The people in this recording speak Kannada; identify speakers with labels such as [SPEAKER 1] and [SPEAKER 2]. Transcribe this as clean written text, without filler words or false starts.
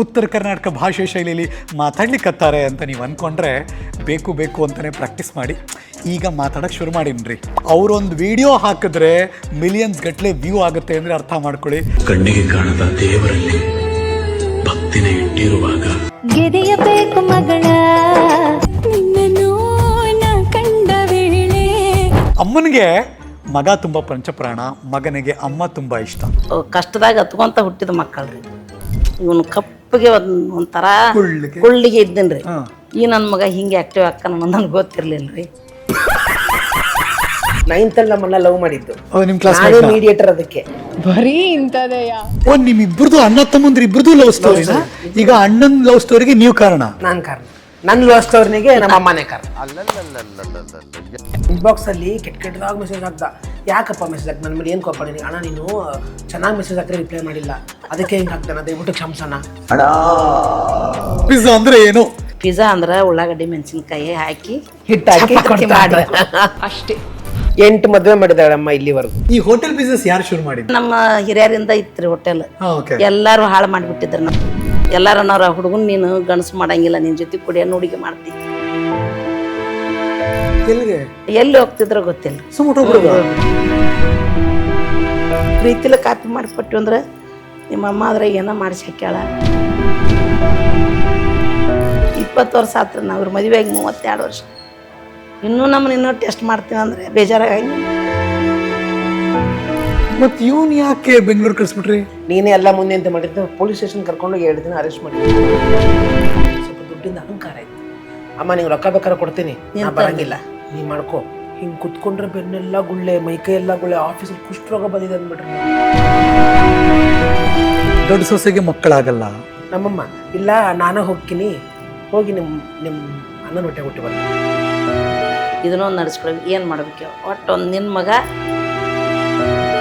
[SPEAKER 1] ಉತ್ತರ ಕರ್ನಾಟಕ ಭಾಷೆ ಶೈಲಿಯಲ್ಲಿ ಮಾತಾಡ್ಲಿಕ್ಕತ್ತಾರೆ ಅಂತ ನೀವು ಅಂದ್ಕೊಂಡ್ರೆ ಬೇಕು ಅಂತಲೇ ಪ್ರಾಕ್ಟೀಸ್ ಮಾಡಿ. ಈಗ ಮಾತಾಡೋಕ್ಕೆ ಶುರು ಮಾಡೀನಿ. ಅವರೊಂದು ವಿಡಿಯೋ ಹಾಕಿದ್ರೆ ಮಿಲಿಯನ್ಸ್ ಗಟ್ಟಲೆ ವ್ಯೂ ಆಗುತ್ತೆ ಅಂದರೆ ಅರ್ಥ ಮಾಡ್ಕೊಳ್ಳಿ.
[SPEAKER 2] ಕಣ್ಣಿಗೆ ಕಾಣದ ದೇವರಲ್ಲಿ ಭಕ್ತಿನ ಇಟ್ಟಿರುವಾಗ
[SPEAKER 3] ಗೆದೆಯಬೇಕು ಮಗಳ ನಿನ್ನನ್ನು ಕಂಡ ವೇಳೆ.
[SPEAKER 1] ಅಮ್ಮನಿಗೆ ಮಗ ತುಂಬ ಪಂಚಪ್ರಾಣ, ಮಗನಿಗೆ ಅಮ್ಮ ತುಂಬ ಇಷ್ಟ.
[SPEAKER 4] ಕಷ್ಟದಾಗ ಹತ್ಕೊಂತ ಹುಟ್ಟಿದ ಮಕ್ಕಳ್ರಿ. ಇವನು ಕಪ್ಪಗೆ ಒಂಥರ
[SPEAKER 1] ಕುಳ್ಳಿಗೆ.
[SPEAKER 4] ಕುಳ್ಳಿಗೆ ಇದ್ದೇನ್ರಿ. ಈ ನನ್ನ ಮಗ ಹಿಂಗೆ ಆಕ್ಟಿವ್ ಆಕ್ಕನ ನನಗೆ ಗೊತ್ತಿರ್ಲಿಲ್ರಿ.
[SPEAKER 5] 9th ಅಲ್ಲಿ ನಮ್ಮನ್ನ ಲವ್ ಮಾಡಿದ್ದು,
[SPEAKER 1] ನಿಮ್ಮ ಕ್ಲಾಸ್
[SPEAKER 5] ಮೀಡಿಯೇಟರ್. ಅದಕ್ಕೆ
[SPEAKER 6] ಬರೀ ಇಂಥದೆಯಾ?
[SPEAKER 1] ನಿಮ್ಮಿಬ್ರದ್ದು ಅಣ್ಣ ತಮ್ಮಂದ್ರೆ ಇಬ್ರದ್ದು ಲವ್ ಸ್ಟೋರಿನಾ? ಈಗ ಅಣ್ಣನ ಲವ್ ಸ್ಟೋರಿಗೆ ನೀವು ಕಾರಣ?
[SPEAKER 5] ನಾನ್ ಕಾರಣ. ನನ್ನ ಲವ್ ಸ್ಟೋರಿನಿಗೆ ನಮ್ಮ ಅಮ್ಮನೇ ಕಾರಣ. ಇನ್ಬಾಕ್ಸ್ ಅಲ್ಲಿ ಕೆಟ್ಟದಾಗ ಮೆಸೇಜ್ ಹಾಕ್ದ. ಯಾಕಪ್ಪ ಮೆಸೇಜ್ ಹಾಕ್ತ? ನನ್ನ ಮೇಲೆ ಏನು ಕೋಪ ನೀನು? ಅಣ್ಣ ನೀನು ಚೆನ್ನಾಗಿ ಮೆಸೇಜ್ ಹಾಕಿದ್ರೆ ರಿಪ್ಲೈ ಮಾಡಿಲ್ಲ, ಅದಕ್ಕೆ ಹಿಂಗೆ ಹಾಕ್ತಾನ, ದಯವಿಟ್ಟು ಕ್ಷಮಿಸೋಣ.
[SPEAKER 1] ಪಿಜ್ಜಾ ಅಂದ್ರೆ ಏನು?
[SPEAKER 4] ಪಿಜ್ಜಾ ಅಂದ್ರೆ ಉಳ್ಳಾಗಡ್ಡಿ ಮೆಣಸಿನ್ಕಾಯಿ ಹಾಕಿ
[SPEAKER 5] ಹಿಟ್ಟಾಕಿ
[SPEAKER 4] ಮಾಡಿ
[SPEAKER 6] ಅಷ್ಟೇ.
[SPEAKER 5] 8 ಮದುವೆ ಮಾಡಿದಾಳಮ್ಮ ಇಲ್ಲಿವರೆಗೂ.
[SPEAKER 1] ಈ ಹೋಟೆಲ್ ಬಿಸ್ನೆಸ್ ಯಾರು ಶುರು ಮಾಡಿದ್ರು?
[SPEAKER 4] ನಮ್ಮ ಹಿರಿಯರಿಂದ ಇತ್ರಿ ಹೋಟೆಲ್.
[SPEAKER 1] ಓಕೆ.
[SPEAKER 4] ಎಲ್ಲಾರು ಹಾಳು ಮಾಡಿಬಿಟ್ಟಿದ್ರು. ನಾವು ಎಲ್ಲಾರು ಅನ್ನೋರ ಹುಡುಗನ್ ನೀನು ಗಣಸು ಮಾಡಂಗಿಲ್ಲ, ನಿನ್ ಜೊತೆ ಕುಡಿಯ ನುಡಿಗೆ ಮಾಡ್ತಿ. ಎಲ್ಲಿ ಹೋಗ್ತಿದ್ರೋ ಗೊತ್ತಿಲ್ಲ. ಪ್ರೀತಿಲ ಕಾಪಿ ಮಾಡಿಕೊಟ್ಟು ಅಂದ್ರೆ ನಿಮ್ಮ ಅಮ್ಮ ಅದ್ರ ಏನೋ ಮಾಡಿಸಿ ಹಾಕ್ಯಾಳ. 20 ವರ್ಷ ಆತ್ರ ನಾವು ಮದುವೆ ಆಗಿ 32 ವರ್ಷ. ಇನ್ನೂ ಇನ್ನೂ ಟೆಸ್ಟ್ ಮಾಡ್ತೀವಿ ಅಂದ್ರೆ ಬೇಜಾರಾಗಿ.
[SPEAKER 1] ಮತ್ತೆ ಇವನ್ ಯಾಕೆ ಬೆಂಗಳೂರು ಕಳಿಸ್ಬಿಟ್ರಿ?
[SPEAKER 5] ನೀನೇ ಎಲ್ಲ ಮುಂದೆ ಅಂತ ಮಾಡಿದ್ದು. ಪೊಲೀಸ್ ಸ್ಟೇಷನ್ ಕರ್ಕೊಂಡು 2 ದಿನ ಅರೆಸ್ಟ್ ಮಾಡಿ. ಸ್ವಲ್ಪ ದುಡ್ಡಿಂದ ಅಹಂಕಾರ ಆಯ್ತು. ಅಮ್ಮ ನಿಂಗೆ ರೊಕ್ಕ ಬೇಕಾದ್ರೆ ಕೊಡ್ತೀನಿ, ನಾ ಬರಂಗಿಲ್ಲ, ನೀ ಮಾಡ್ಕೋ. ಹಿಂಗೆ ಕುತ್ಕೊಂಡ್ರೆ ಬೆನ್ನೆಲ್ಲ ಗುಳ್ಳೆ, ಮೈಕೈ ಎಲ್ಲ ಗುಳ್ಳೆ, ಆಫೀಸಲ್ಲಿ ಕುಷ್ಠರೋಗ ಬಂದಿದೆ ಅಂದ್ಬಿಟ್ರೆ.
[SPEAKER 1] ದೊಡ್ಡ ಸೊಸೆಗೆ ಮಕ್ಕಳಾಗಲ್ಲ.
[SPEAKER 5] ನಮ್ಮಮ್ಮ ಇಲ್ಲ, ನಾನೇ ಹೋಗ್ತೀನಿ, ಹೋಗಿ ನಿಮ್ಮ ಅಣ್ಣನ ಹೊಟ್ಟೆ ಹುಟ್ಟಿ ಬರ್ತೀನಿ.
[SPEAKER 4] ಇದನ್ನೊಂದು ನಡೆಸ್ಕೊಳ್ಬೇಕು. ಏನು ಮಾಡ್ಬೇಕು ಒಟ್ಟು ಒಂದು ನಿನ್ನ ಮಗ